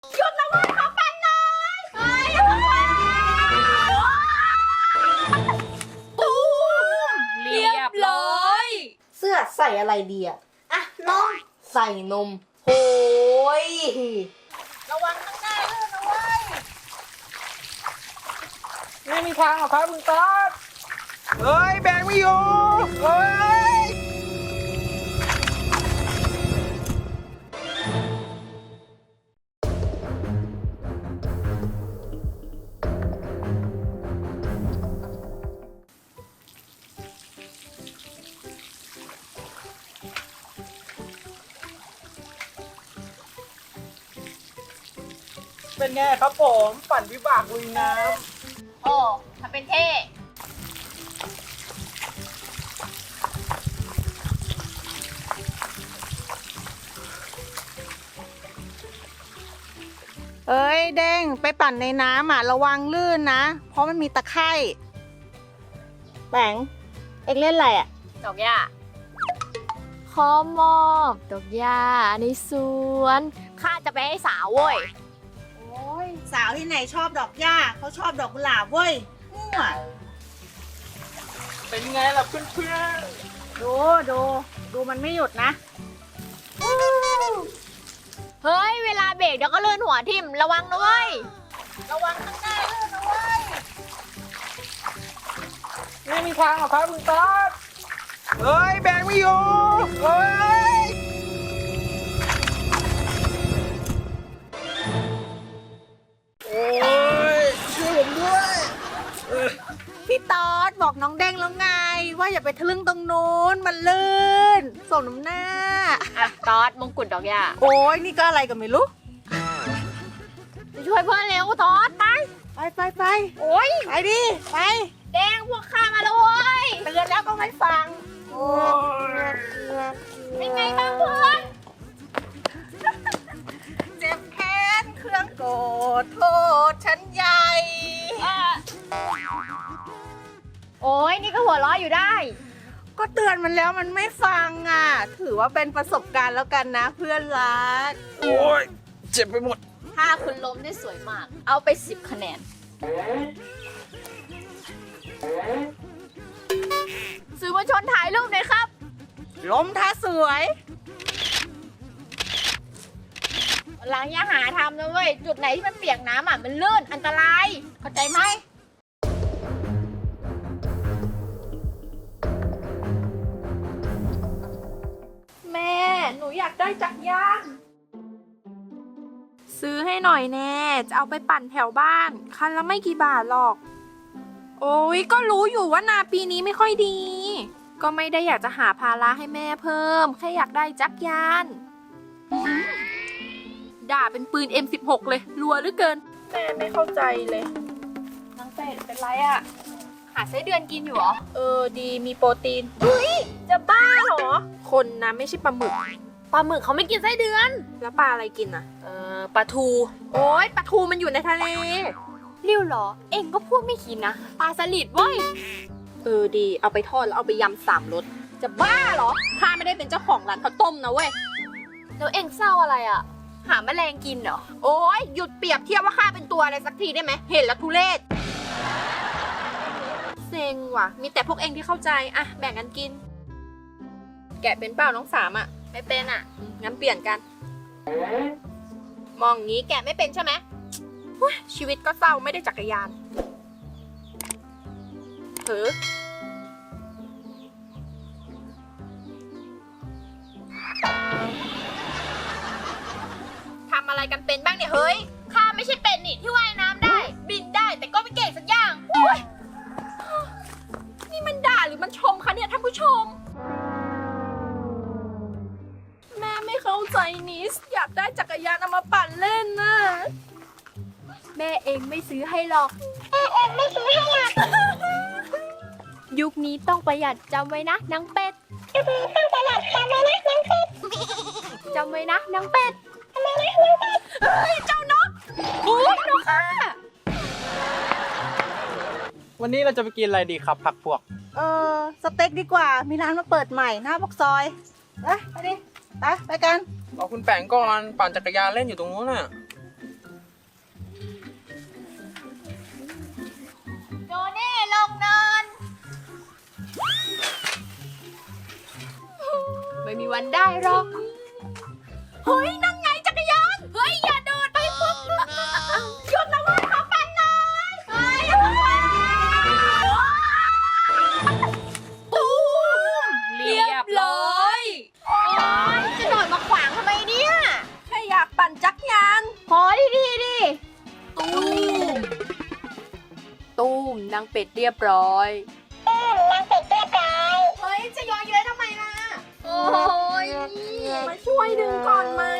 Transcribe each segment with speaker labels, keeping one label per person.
Speaker 1: หยุดนะเว้ยขอปั่นหน่อยเฮ้ยตูมเรียบร้อย
Speaker 2: เสื้อใส่อะไรดีอะนมใส่นมโหย
Speaker 1: ระวังข้างหน้าลื่นนะเว้ย
Speaker 3: ไม่มีทางหรอกครับคุณต๊อดเฮ้ยแบงไม่อยู่เฮ้ยเป็นไงครับผมปั่นวิบากลุยน้ำ
Speaker 1: โอ้ทำเป็นเท่
Speaker 2: เอ้ยเด้งไปปั่นในน้ำระวังลื่นนะ เพราะมันมีตะไคร่แบงเอ็งเล่นอะไรอะ
Speaker 1: ดอกหญ้าขอมอบดอกหญ้าในสวนข้าจะไปให้สาวเว้ย
Speaker 2: โอ้ยสาวที่ไหนชอบดอกหญ้าเขาชอบดอกกุหลาบเว้ยมั่ว
Speaker 3: เป็นไงล่ะเพื่อน
Speaker 2: ดูมันไม่หยุดนะ
Speaker 1: เฮ้ยเวลาเบรกเดี๋ยวก็เลื่อนหัวทิ่มระวังนะเว้ยระวังข้างหน้าลื่นนะเว้ย
Speaker 3: ๆไม่มีทางหรอกครับคุณต๊อดเฮ้ยแบงไม่อยู่เฮ้ยโอ้ยช่วยผมด้วย
Speaker 2: พี่ตอดบอกน้องเด้งแล้วไง ว่าอย่าไปทะลึ่งตรงนู้นมันลื่นส่งน้ำหน้า
Speaker 1: อ่ะตอดมงกุฎดอกหญ้า
Speaker 2: โอ้ยนี่ก็อะไรกันไม่รู้
Speaker 1: ไปช่วยเพื่อนเร็วตอดไป
Speaker 2: ไป
Speaker 1: โอ้ย
Speaker 2: ไปดิ ไป
Speaker 1: แดงพวกข้ามาแล้วเว้ย
Speaker 2: เตือนแล้วก็ไม่ฟัง
Speaker 3: โอ้ย
Speaker 1: เป็นไงบ้างเพื่อน
Speaker 2: เจ็บแค้นเครื่องโกรธโทษฉันใหญ่
Speaker 1: โอ้ยนี่ก็หัวเราะอยู่ได้
Speaker 2: ก็เตือนมันแล้วมันไม่ฟังถือว่าเป็นประสบการณ์แล้วกันนะเพื่อนรัก
Speaker 3: โอ้ยเจ็บไปหมด
Speaker 1: ถ้าคุณล้มได้สวยมาก เอาไป10คะแนนสื่อมวลชนถ่ายรูปหน่อยครับ
Speaker 2: ล้มท่าสวย
Speaker 1: หลังอย่าหาทำนะเว้ย จุดไหนที่มันเปียกน้ำมันลื่นอันตราย เข้าใจไหม
Speaker 2: แม่ หนูอยากได้จักรยาน ซื้อให้หน่อยแน่ จะเอาไปปั่นแถวบ้าน คันละไม่กี่บาทหรอก โอ้ยก็รู้อยู่ว่านาปีนี้ไม่ค่อยดี ก็ไม่ได้อยากจะหาภาระให้แม่เพิ่ม แค่อยากได้จักรยาน ด่าเป็นปืน M16 เลยรัวเหลือเกิน แม่ไม่เข้าใจเลยนางเป็ดเป็นไรอะ
Speaker 1: หาไส้เดือนกินอยู่เหรอ
Speaker 2: ดีมีโปรตีน
Speaker 1: จะบ้าเหรอ
Speaker 2: คนนะไม่ใช่ปลาหมึก
Speaker 1: ปลาหมึกเขาไม่กินไส้เดือน
Speaker 2: แล้วปลาอะไรกินอะ
Speaker 1: ปลาทู
Speaker 2: โอ้ยปลาทูมันอยู่ในทะเล
Speaker 1: ริ้วเหรอ เอ็งก็พูดไม่คิดนะ ปลาสลิดเว้ย
Speaker 2: ดีเอาไปทอดแล้วเอาไปยำ3 รสจะบ้าเหรอข้าไม่ได้เป็นเจ้าของร้านข้าวต้มนะเว้ย
Speaker 1: แล้วเอ็งเศร้าอะไรอ่ะ หาแมลงกินเหรอ
Speaker 2: โอ้ยหยุดเปรียบเทียบว่าข้าเป็นตัวอะไรสักทีได้ไหมเห็นแล้วทุเรศเซ็งว่ะมีแต่พวกเองที่เข้าใจอะแบ่งกันกิน แกะเป็นเปล่าน้องสามอะ
Speaker 1: ไม่เป็นอ่ะ
Speaker 2: งั้นเปลี่ยนกัน มองงี้แกะไม่เป็นใช่ไหมเฮ้ยชีวิตก็เศร้าไม่ได้จักรยานถือทำอะไรกันเป็นบ้างเนี่ยเฮ้ย
Speaker 1: ข้าไม่ใช่เป็นนี่ที่ว่ายน้ำได้ บินได้แต่ก็ไม่เก่งสักอย่างโอ้ย
Speaker 2: นี่มันด่าหรือมันชมคะเนี่ยท่านผู้ชม แม่ไม่เข้าใจนิสอยากได้จักรยานเอามาปั่นเล่นน่ะ
Speaker 1: แม่เองไม่ซื้อให้หรอก ยุคนี้ต้องประหยัดจำไว้นะนางเป็ดต้องประหยัดจำไว้นะนางเป็ดจำไว้นะนางเป็ดเฮ้ยเจ้านกโอ้ยนกค่ะ
Speaker 3: วันนี้เราจะไปกินอะไรดีครับผักพวก
Speaker 2: สเต็กดีกว่ามีร้านมาเปิดใหม่หน้าปากซอยไปดิไปกัน
Speaker 3: รอคุณแปงก่อนปั่นจักรยานเล่นอยู่ตรงนู้นน่ะ
Speaker 1: มีวันได้หรอก เฮ้ย นั่นไงจักรยาน เฮ้ย อย่าโดดไปปุ๊บหยุดนะเว้ยขอปั่นหน่อยเฮ้ยตูมเรียบร้อยโอ๊ยจะโดดมาขวางทำไมเนี่ย
Speaker 2: แค่อยากปั่นจักรยาน
Speaker 1: ขอดีดิ
Speaker 2: ตูม ตูมนางเป็ดเรียบร้อย
Speaker 1: เฮ้ย จะย้อยเย้ยทำไมล่ะ โอ้ย
Speaker 2: มาช่วยดึงก่อนไหม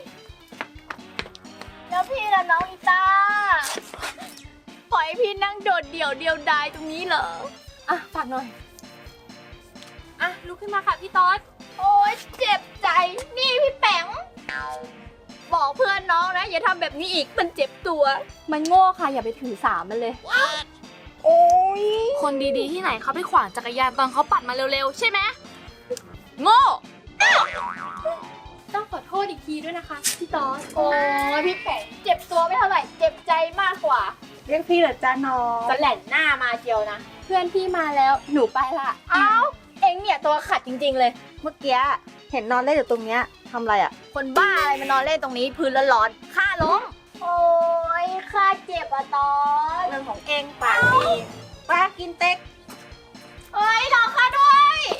Speaker 1: แล้วพี่ละน้องอีตาปล่อยให้พี่นั่งโดดเดี่ยวดายตรงนี้เหรอ
Speaker 2: อ่ะฝากหน่อย อ่ะลุกขึ้นมาค่ะพี่ต๊อด
Speaker 1: โอ๊ยเจ็บใจ นี่พี่แป๋งบอกเพื่อนน้องนะ อย่าทำแบบนี้อีก มันเจ็บตัว มันโง่ค่ะ อย่าไปถือสามันเลย
Speaker 2: โอ้ย
Speaker 4: คนดีๆที่ไหนเขาไปขวางจักรยานตอนเขาปั่นมาเร็วๆ ใช่ไหมโง่
Speaker 1: ต้องขอโทษอีกทีด้วยนะคะพี่ตอนโอ้ยพี่แป๋งเจ็บตัวไม่เท่าไหร่ เจ็บใจมากกว่า
Speaker 2: เรียกพี่เหรอจ้าน้อง
Speaker 1: จะแหล่นหน้ามาเจียวนะ เพื่อนพี่มาแล้วหนูไปละเอ้าเอ็งเนี่ยตัวขัดจริงๆเลย
Speaker 5: เมื่อกี้เห็นนอนเล่นอยู่ตรงเนี้ยทำอะไรอ่ะ
Speaker 1: คนบ้าอะไรมานอนเล่นตรงนี้พื้นร้อนๆข้าล้มโอ้ยข้าเจ็บอะตอน
Speaker 5: เรื่องของเองปากดีป้ากินเต็ก
Speaker 1: เอ้ยรอข้าด้วย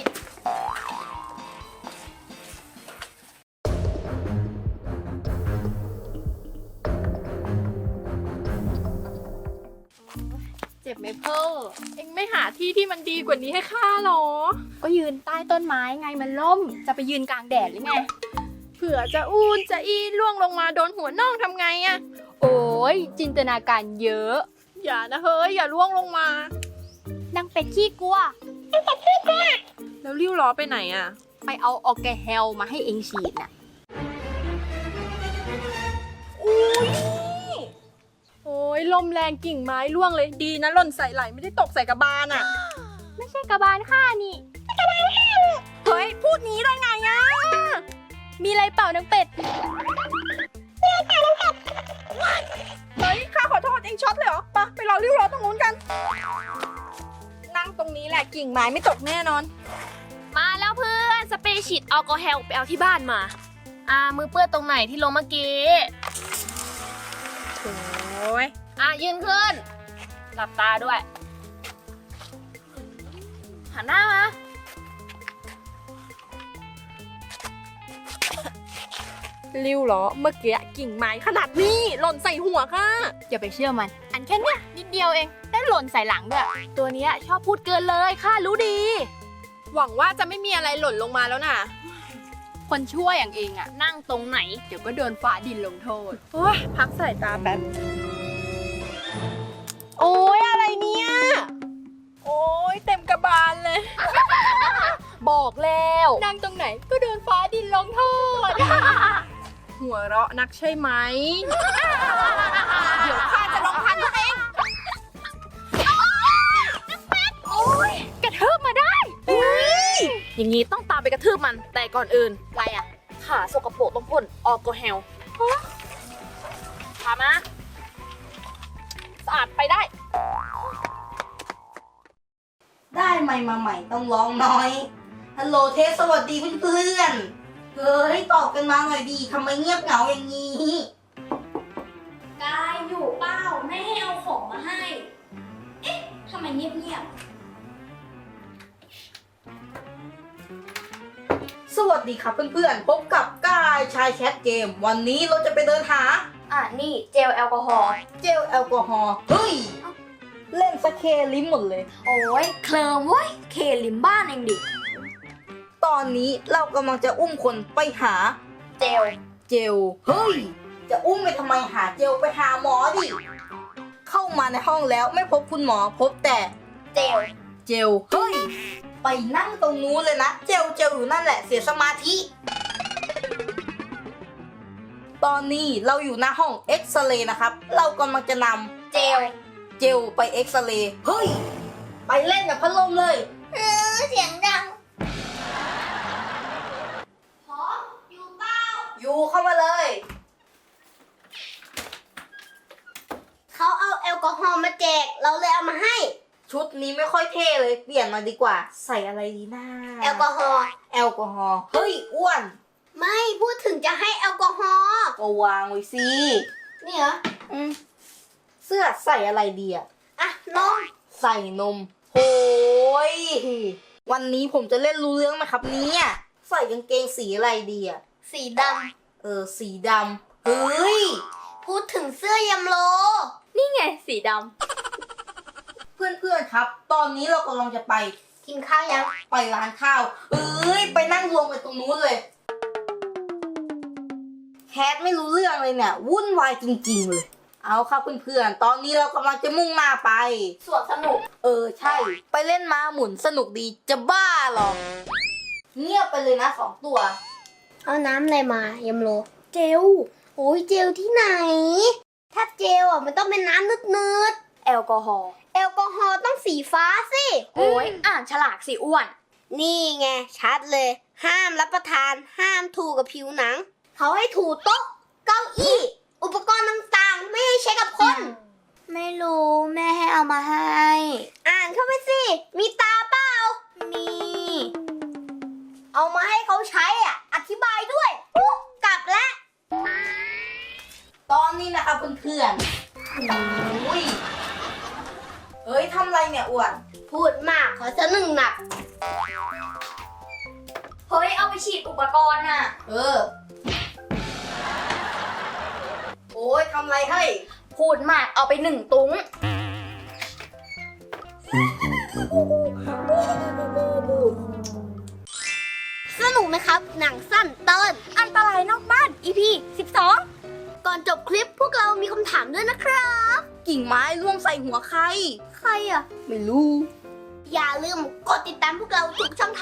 Speaker 1: เจ็บไหมเพ่อ
Speaker 2: เอ็งไม่หาที่ที่มันดีกว่านี้ให้ข้าหรอ
Speaker 1: ก็ยืนใต้ต้นไม้ไงมันล่ม จะไปยืนกลางแดดหรือไง
Speaker 2: เผื่อจะอูนจะอีล่วงลงมาโดนหัวน่องทำไงอะ
Speaker 1: โอ้ยจินตนาการเยอะ
Speaker 2: อย่านะเฮ้ย อย่าล่วงลงมา
Speaker 1: นางเป็ดขี้กลัว
Speaker 2: แล้วริ้วล้อไปไหนอะ
Speaker 1: ไปเอาออกแกเฮลมาให้เองฉีดน่ะ
Speaker 2: โอ้ยลมแรงกิ่งไม้ร่วงเลยดีนะหล่นใส่ไหลไม่ได้ตกใส่กระบาลอะ
Speaker 1: ไม่ใช่กระบาลข้านี่
Speaker 2: เฮ้ย พูดงี้ได้ไงอะ
Speaker 1: มีอะไรเปล่านางเป็ด
Speaker 2: เฮ้ย ข้าขอโทษเองช็อตเลยเหรอไปรอริ้วล้อตรงนู้นกัน นั่งตรงนี้แหละกิ่งไม้ไม่ตกแน่นอน
Speaker 4: มาแล้วเพื่อนสเปรย์ฉีดแอลกอฮอล์ไปเอาที่บ้านมา มือเปื้อนตรงไหนที่ลงเมื่อกี้
Speaker 2: โอ้ย
Speaker 4: ยืนขึ้น หลับตาด้วย หันหน้ามา
Speaker 2: ริ้วล้อเมื่อกี้กิ่งไม้ขนาดนี้หล่นใส่หัวค่ะ
Speaker 1: อย่าไปเชื่อมัน อันแค่เนี้ยนิดเดียวเอง ได้หล่นใส่หลังด้วย
Speaker 4: ตัวเนี้ยชอบพูดเกินเลยข้ารู้ดี
Speaker 2: หวังว่าจะไม่มีอะไรหล่นลงมาแล้วนะ
Speaker 1: คนชั่วอย่างเองอะ
Speaker 4: นั่งตรงไหน
Speaker 1: เดี๋ยวก็โดนฟ้าดินลงโทษ
Speaker 2: โอ้ยพักสายตาแป๊บ
Speaker 1: โอ้ยอะไรเนี่ย
Speaker 2: โอ้ยเต็มกระบาลเลย
Speaker 4: บอกแล้ว
Speaker 1: นั่งตรงไหนก็โดนฟ้าดินลงโทษ
Speaker 2: หัวเราะนักใช่ไหม เดี๋ยวข้าจะลองพันตัวเอง
Speaker 1: โอ้ยกระเทิบมาได้
Speaker 4: อย่างนี้ต้องตามไปกระทืบมัน แต่ก่อนอื่น
Speaker 1: อะไรอะ
Speaker 4: ขาสกปรกต้องพ่นแอลกอฮอล์พามาสะอาดไปได้
Speaker 5: ได้ใหม่มาใหม่ต้องร้องน้อยฮัลโหลเทสสวัสดีเพื่อนๆเฮ้ยตอบกันมาหน่อยดีทำไมเงียบเหงาอย่างนี้
Speaker 6: กายอยู่เปล่าไม่ให้เอาของมาให้ เอ๊ะทำไมเงียบ
Speaker 5: สวัสดีครับเพื่อนๆพบกับกายชายแชทเกม วันนี้เราจะไปเดินหา
Speaker 6: นี่เจลแอลกอฮอล์
Speaker 5: เจลแอลกอฮอล์เฮ้ยเล่นสเคลิ้มหมดเลย
Speaker 6: โอ้ยเคลิมเว้ยเคลิมบ้านเองดิ
Speaker 5: ตอนนี้เรากำลังจะอุ้มคนไปหา
Speaker 6: เจล
Speaker 5: เจล เฮ้ย จะอุ้มไปทำไมหาเจลไปหาหมอดิ เข้ามาในห้องแล้วไม่พบคุณหมอพบแต่
Speaker 6: เจล
Speaker 5: เจล เฮ้ย ไปนั่งตรงนู้นเลยนะ เจลอยู่นั่นแหละเสียสมาธิ ตอนนี้เราอยู่หน้าห้องเอ็กซเรย์นะครับ เรากำลังจะน
Speaker 6: เจล
Speaker 5: ำเจลไปเอ็กซเรย์ เฮ้ย ไปเล่นกับพัดลมเลย
Speaker 6: เสียงดังพร้อมอยู่เปล่า
Speaker 5: อยู่เข้ามาเลย
Speaker 6: เขาเอาแอลกอฮอล์มาแจก เราเลยเอามาให้
Speaker 5: ชุดนี้ไม่ค่อยเท่เลย เปลี่ยนมาดีกว่า ใส่อะไรดีนะ
Speaker 6: แอลกอฮอล์
Speaker 5: แอลกอฮอล์เฮ้ยอ้วน
Speaker 6: ไม่พูดถึงจะให้แอลกอฮอล์
Speaker 5: ก็วางไว้สิ
Speaker 6: นี่เหรอ
Speaker 5: เสื้อใส่อะไรดีอะ
Speaker 6: อ่ะน้อง
Speaker 5: ใส่นมโอ้ยวันนี้ผมจะเล่นรู้เรื่องไหมครับเนี่ยใส่กางเกงสีอะไรดีอะ
Speaker 6: สีด
Speaker 5: สีดำเฮ้ย
Speaker 6: ำพูดถึงเสื้อยำโล
Speaker 1: นี่ไงสีด
Speaker 5: เพื่อนๆครับ ตอนนี้เรากำลังจะไป
Speaker 6: กินข้าวยัง
Speaker 5: ไปร้านข้าวไปนั่งรวมกันตรงนู้นเลยแคทไม่รู้เรื่องเลยเนี่ยวุ่นวายจริงๆเลยเอาครับเพื่อนๆตอนนี้เรากำลังจะมุ่งหน้าไป
Speaker 6: สวนสนุก
Speaker 5: ใช่ ไปเล่นม้าหมุนสนุกดีจะบ้าหรอเงียบไปเลยนะ2 ตัว
Speaker 6: เอาน้ำอะไรมายำโล เจล โอ้ยเจลที่ไหน ถ้าเจลอ่ะมันต้องเป็นน้ำนืด
Speaker 1: ำแอลกอฮอล์
Speaker 6: ๆ แอลกอฮอล์ต้องสีฟ้าสิ
Speaker 1: โอ้ยอ่านฉลากสิอ้วน
Speaker 6: นี่ไงชัดเลย ห้ามรับประทาน ห้ามถูกับผิวหนัง เขาให้ถูโต๊ะ เก้าอี้ อุปกรณ์ต่างๆ ไม่ให้ใช้กับคน ไม่รู้แม่ให้เอามาให้ อ่านเข้าไปสิ มีตาเปล่า มี เอามาให้เขาใช้อ่ะ อธิบายด้วยกลับแล้ว
Speaker 5: ตอนนี้นะครับเพื่อนๆโอ้ยทำไรเนี่ยอ้วน
Speaker 6: พูดมากขอจะหนึ่งหนัก
Speaker 1: เฮ้ย เอาไปฉีดอุปกรณ์น่ะ
Speaker 5: โอ้ยทำไรให้
Speaker 1: พูดมากเอาไป1 ตุ้ง
Speaker 6: สนุกนะครับ หนังสั้นเติ้น
Speaker 1: อันตรายนอกบ้าน EP 12
Speaker 6: ก่อนจบคลิปพวกเรามีคำถามด้วยนะครับ
Speaker 5: กิ่งไม้ร่วงใส่หัวใคร
Speaker 6: ใครอ่ะ
Speaker 5: ไม่รู้
Speaker 6: อย่าลืมกดติดตามพวกเราทุกช่องทาง